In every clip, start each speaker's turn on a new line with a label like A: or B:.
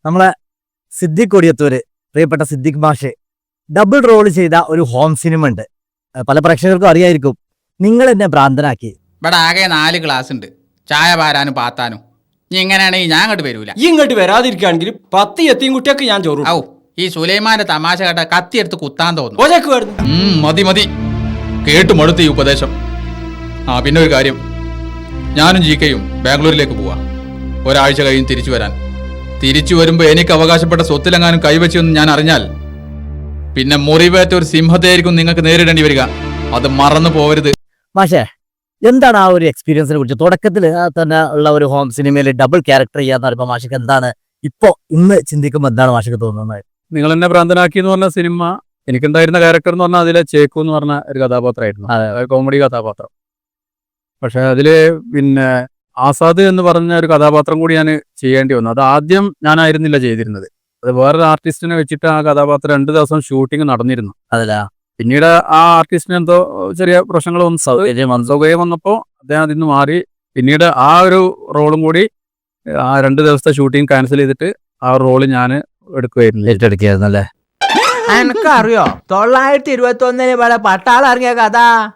A: നമ്മളെ സിദ്ദിഖ് കൊടിയത്തൂര്, പ്രിയപ്പെട്ട സിദ്ദിഖ് മാഷ് ഡബിൾ റോൾ ചെയ്ത ഒരു ഹോം സിനിമ ഉണ്ട്. പല പ്രേക്ഷകർക്കും അറിയായിരിക്കും. നിങ്ങൾ എന്നെ ഭ്രാന്തനാക്കി.
B: ഇവിടെ ആകെ 4 ക്ലാസ് ഉണ്ട്, ചായ പാരാനും പാത്താനും. നീ ഇങ്ങനെയാണെങ്കിൽ ഞാൻ അങ്ങോട്ട് വരൂല.
C: ഈ ഇങ്ങോട്ട് വരാതിരിക്കുകയാണെങ്കിൽ 10 എത്തിയും കുട്ടിയൊക്കെ ഞാൻ ചോറും.
B: ഔ, ഈ സുലൈമാന്റെ തമാശ കേട്ട കത്തിയെടുത്ത് കുത്താൻ തോന്നുന്നു.
C: ഓജക്ക് വരുന്നു.
B: മതി കേട്ടു മടുത്ത് ഈ ഉപദേശം. പിന്നെ ഒരു കാര്യം, ഞാനും ജിക്കയും ബാംഗ്ലൂരിലേക്ക് പോവാ. ഒരാഴ്ച കഴിഞ്ഞ് തിരിച്ചു വരാൻ. തിരിച്ചു വരുമ്പോ എനിക്ക് അവകാശപ്പെട്ട സ്വത്തിലെങ്ങാനും കൈവച്ചെന്ന് ഞാൻ അറിഞ്ഞാൽ പിന്നെ മുറിവേറ്റ ഒരു സിംഹത്തെയായിരിക്കും നിങ്ങൾക്ക് നേരിടേണ്ടി വരിക. അത് മറന്നു പോവരുത്.
A: മാഷേ, എന്താണ് ആ ഒരു എക്സ്പീരിയൻസിനെ കുറിച്ച്? തുടക്കത്തിൽ തന്നെ ഉള്ള ഒരു ഹോം സിനിമയിൽ ഡബിൾ ക്യാരക്ടർ ചെയ്യാന്ന് പറയുമ്പോൾ മാഷക്ക് എന്താണ് ഇന്ന് ചിന്തിക്കുമ്പോൾ എന്താണ് മാഷക്ക് തോന്നുന്നത്?
D: നിങ്ങൾ എന്നെ ഭ്രാന്തനാക്കി എന്ന് പറഞ്ഞ സിനിമ എനിക്കുണ്ടായിരുന്ന ക്യാരക്ടർ എന്ന് പറഞ്ഞാൽ അതിലെ ചേക്കു എന്ന് പറഞ്ഞ ഒരു കഥാപാത്രമായിരുന്നു. കോമഡി കഥാപാത്രം. പക്ഷെ അതില് പിന്നെ ആസാദ് എന്ന് പറഞ്ഞ ഒരു കഥാപാത്രം കൂടി ഞാൻ ചെയ്യേണ്ടി വന്നു. അത് ആദ്യം ഞാനായിരുന്നില്ല ചെയ്തിരുന്നത്. അത് വേറൊരു ആർട്ടിസ്റ്റിനെ വെച്ചിട്ട് ആ കഥാപാത്രം 2 ദിവസം ഷൂട്ടിംഗ് നടന്നിരുന്നു.
A: അതല്ല,
D: പിന്നീട് ആ ആർട്ടിസ്റ്റിന് എന്തോ ചെറിയ പ്രശ്നങ്ങൾ വന്നു, സൗകര്യം വന്നപ്പോൾ അദ്ദേഹം അതിൽ നിന്ന് മാറി. പിന്നീട് ആ ഒരു റോളും കൂടി ആ 2 ദിവസത്തെ ഷൂട്ടിംഗ് ക്യാൻസൽ ചെയ്തിട്ട് ആ റോള് ഞാൻ
A: ഏറ്റെടുക്കുകയായിരുന്നു അല്ലേ?
E: എനിക്കറിയോ 921 ഇവിടെ പട്ടാളം ഇറങ്ങിയ കഥ.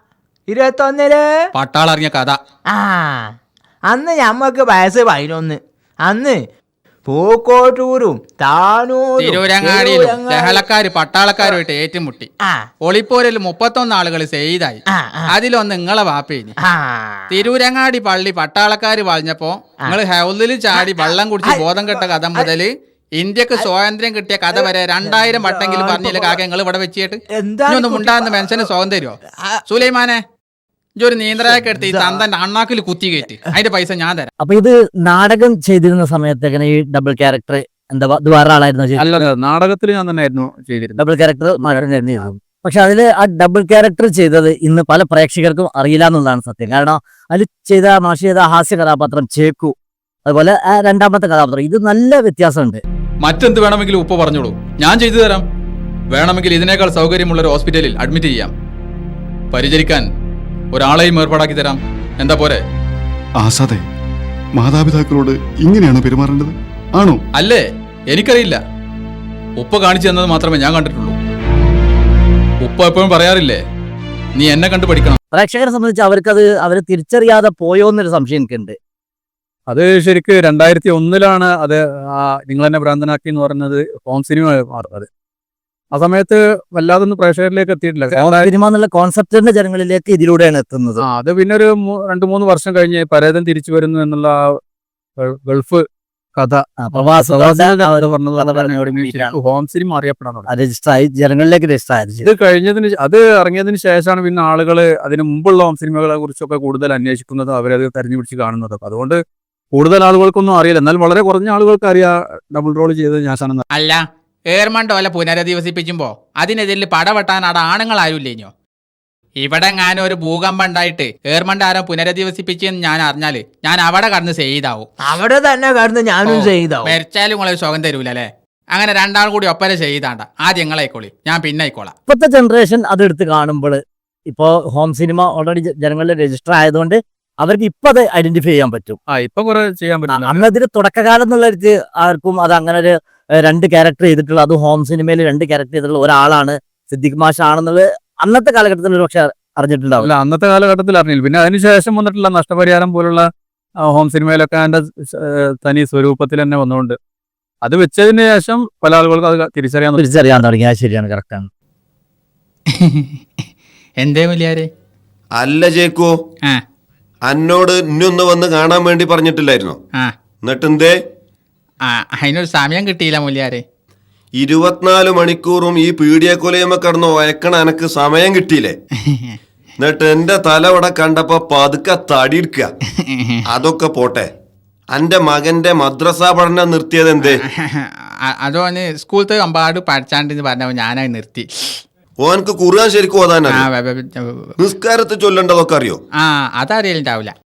E: 21
B: പട്ടാളം ഇറങ്ങിയ കഥ.
E: അന്ന് ഞമ്മക്ക് വയസ്സ് 11. അന്ന് പൂക്കോട്ടൂരും താനൂരും
B: തിരൂരങ്ങാടിയിലും ലഹളക്കാര് പട്ടാളക്കാരുമായിട്ട് ഏറ്റുമുട്ടി. ഒളിപ്പോരിൽ 31 ആളുകൾ ചെയ്തായി. അതിലൊന്ന് നിങ്ങളെ വാപ്പേനി. തിരൂരങ്ങാടി പള്ളി പട്ടാളക്കാര് വളഞ്ഞപ്പോ നിങ്ങൾ ഹൗലിൽ ചാടി വെള്ളം കുടിച്ച് ബോധം കെട്ട കഥ മുതല് ഇന്ത്യക്ക് സ്വാതന്ത്ര്യം കിട്ടിയ കഥ വരെ 2000 വട്ടെങ്കിലും പറഞ്ഞില്ല കാക്ക നിങ്ങൾ ഇവിടെ വെച്ചിട്ട്. ഇനിയൊന്നും ഉണ്ടാകുന്ന മനുഷ്യന് സ്വാതന്ത്ര്യമോ? സുലൈമാനെ, ഒരു നീന്തലൊക്കെ എടുത്ത് ഈ തന്തന്റെ അണ്ണാക്കിൽ കുത്തി കയറ്റി അതിന്റെ പൈസ ഞാൻ തരാം.
A: അപ്പൊ ഇത് നാടകം ചെയ്തിരുന്ന സമയത്ത് എങ്ങനെ ഈ ഡബിൾ ക്യാരക്ടർ ഇത് വേറെ ആളായിരുന്നു?
D: അല്ല, നാടകത്തിൽ ഞാൻ തന്നെ ആയിരുന്നു ചെയ്തിരുന്നത്.
A: ഡബിൾ ക്യാരക്ടർ പക്ഷെ അതില് ആ ഡബിൾ ക്യാരക്ടർ ചെയ്തത് ഇന്ന് പല പ്രേക്ഷകർക്കും അറിയില്ല എന്നുള്ളതാണ് സത്യം. കാരണം അതിൽ മാഷ് ചെയ്ത ഹാസ്യ കഥാപാത്രം ചേക്കു, അതുപോലെ ആ 2ാമത്തെ കഥാപാത്രം, ഇത് നല്ല വ്യത്യാസമുണ്ട്.
B: മറ്റെന്ത് വേണമെങ്കിലും ഉപ്പ പറഞ്ഞോളൂ, ഞാൻ ചെയ്തു തരാം. വേണമെങ്കിൽ ഇതിനേക്കാൾ സൗകര്യമുള്ള ഒരു ഹോസ്പിറ്റലിൽ അഡ്മിറ്റ് ചെയ്യാം. പരിചരിക്കാൻ ഒരാളെയും ഏർപ്പാടാക്കി തരാം. എന്താ പോരെ?
F: ആസാദേ, മാതാപിതാക്കളോട് ഇങ്ങനെയാണ് പെരുമാറേണ്ടത് ആണോ?
B: അല്ലേ, എനിക്കറിയില്ല. ഉപ്പ കാണിച്ചു തന്നത് മാത്രമേ ഞാൻ കണ്ടിട്ടുള്ളൂ. ഉപ്പ എപ്പോഴും പറയാറില്ലേ, നീ എന്നെ കണ്ടു പഠിക്കണം.
A: പ്രേക്ഷകരെ സംബന്ധിച്ച് അവര് തിരിച്ചറിയാതെ പോയോ എന്നൊരു സംശയം എനിക്കുണ്ട്.
D: അത് ശരിക്ക് 2001 അത് നിങ്ങൾ എന്നെ ഭ്രാന്തനാക്കി എന്ന് പറയുന്നത് ഹോം സിനിമ മാറുന്നത്. ആ സമയത്ത് വല്ലാതൊന്നും പ്രേക്ഷകരിലേക്ക് എത്തിയിട്ടില്ല.
A: സിനിമ എന്നുള്ള കോൺസെപ്റ്റിന്റെ ജനങ്ങളിലേക്ക് ഇതിലൂടെയാണ് എത്തുന്നത്.
D: അത് പിന്നെ ഒരു 2-3 വർഷം കഴിഞ്ഞ് പരേതൻ തിരിച്ചു വരുന്നു എന്നുള്ള ഗൾഫ് കഥ ഹോം സിനിമ അറിയപ്പെടാൻ
A: രജിസ്റ്ററായി ജനങ്ങളിലേക്ക് രജിസ്റ്റർ.
D: അത് ഇറങ്ങിയതിന് ശേഷമാണ് പിന്നെ ആളുകൾ അതിന് മുമ്പുള്ള ഹോം സിനിമകളെ കുറിച്ചൊക്കെ കൂടുതൽ അന്വേഷിക്കുന്നതും അവരത് തെരഞ്ഞു പിടിച്ച് കാണുന്നതും. അതുകൊണ്ട് കൂടുതൽ ആളുകൾക്കൊന്നും അറിയില്ല. എന്നാൽ വളരെ കുറഞ്ഞ ആളുകൾക്ക് അറിയാം ഡബിൾ റോൾ ചെയ്തത് ഞാനാണെന്ന്.
B: അല്ല, ഏർമണ്ടോല പുനരധിവസിപ്പിക്കുമ്പോ അതിനെതിരിൽ പടവെട്ടാൻ അവിടെ ആണുങ്ങളാരുമില്ലേഞ്ഞോ? ഇവിടെ ഞാൻ ഒരു ഭൂകമ്പം ഉണ്ടായിട്ട് ഏർമണ്ട ആരോ പുനരധിവസിപ്പിച്ചെന്ന് ഞാൻ അറിഞ്ഞാല് ഞാൻ അവിടെ കടന്ന് ചെയ്താവും.
E: അവിടെ തന്നെ കടന്ന് ഞാനും ചെയ്താവും.
B: മരിച്ചാലും നിങ്ങളെ സുഖം തരൂലേ? അങ്ങനെ 2 ആൾ കൂടി ഒപ്പര ചെയ്താണ്ട. ആദ്യം നിങ്ങളായിക്കോളി, ഞാൻ പിന്നെ ആയിക്കോളാം.
A: ഇപ്പോഴത്തെ ജനറേഷൻ അതെടുത്ത് കാണുമ്പോൾ ഇപ്പോ ഹോം സിനിമ ഓൾറെഡി ജനങ്ങളിൽ രജിസ്റ്റർ ആയതുകൊണ്ട് അവർക്ക് ഇപ്പൊ അത് ഐഡന്റിഫൈ ചെയ്യാൻ പറ്റും.
D: ഇപ്പൊ കുറെ ചെയ്യാൻ പറ്റും.
A: അന്നതിന് തുടക്കകാലം എന്നുള്ള ആർക്കും അത് അങ്ങനെ ഒരു 2 ക്യാരക്ടർ ചെയ്തിട്ടുള്ള, അത് ഹോം സിനിമയിൽ 2 ക്യാരക്ടർ ചെയ്തിട്ടുള്ള ഒരാളാണ് സിദ്ദിഖ് മാഷ് ആണെന്നുള്ളത് അന്നത്തെ കാലഘട്ടത്തിൽ ഒരു പക്ഷെ അറിഞ്ഞിട്ടുണ്ടാവില്ല.
D: അന്നത്തെ കാലഘട്ടത്തിൽ അറിഞ്ഞില്ല. പിന്നെ അതിനുശേഷം വന്നിട്ടുള്ള നഷ്ടപരിഹാരം പോലുള്ള ഹോം സിനിമയിലൊക്കെ അതിന്റെ തനി സ്വരൂപത്തിൽ തന്നെ വന്നുകൊണ്ട് അത് വെച്ചതിന് ശേഷം പല ആളുകൾക്കും അത് തിരിച്ചറിയാൻ
A: തുടങ്ങി. ശരിയാണ്, കറക്റ്റാണ്.
B: എന്തേ വലിയാരെ?
G: അല്ല ചേക്കോ, അന്നോട് ഇന്നൊന്ന് വന്ന് കാണാൻ വേണ്ടി പറഞ്ഞിട്ടില്ലായിരുന്നോ? എന്നിട്ട് എന്തേ?
B: അതിനൊരു സമയം കിട്ടിയില്ല മുല്യാരെ.
G: 24 മണിക്കൂറും ഈ പീഡിയക്കൊലയമ്മ കടന്ന് വയക്കണ എനക്ക് സമയം കിട്ടിയില്ലേ? എന്നിട്ട് എന്റെ തല ഇവിടെ കണ്ടപ്പോ പതുക്കെ തടിയെടുക്കുക. അതൊക്കെ പോട്ടെ, എന്റെ മകന്റെ മദ്രസ പഠനം നിർത്തിയത് എന്തേ?
B: അതോന് സ്കൂളത്തെ അമ്പാട് പഠിച്ചാണ്ടെന്ന് പറഞ്ഞപ്പോ ഞാനത് നിർത്തി.
G: ഓനക്ക് ഖുർആൻ ശരിക്കും ഓതാനോ? നിസ്കാരത്തിൽ ചൊല്ലേണ്ടതൊക്കെ അറിയോ?
B: അതറിയലുണ്ടാവില്ല.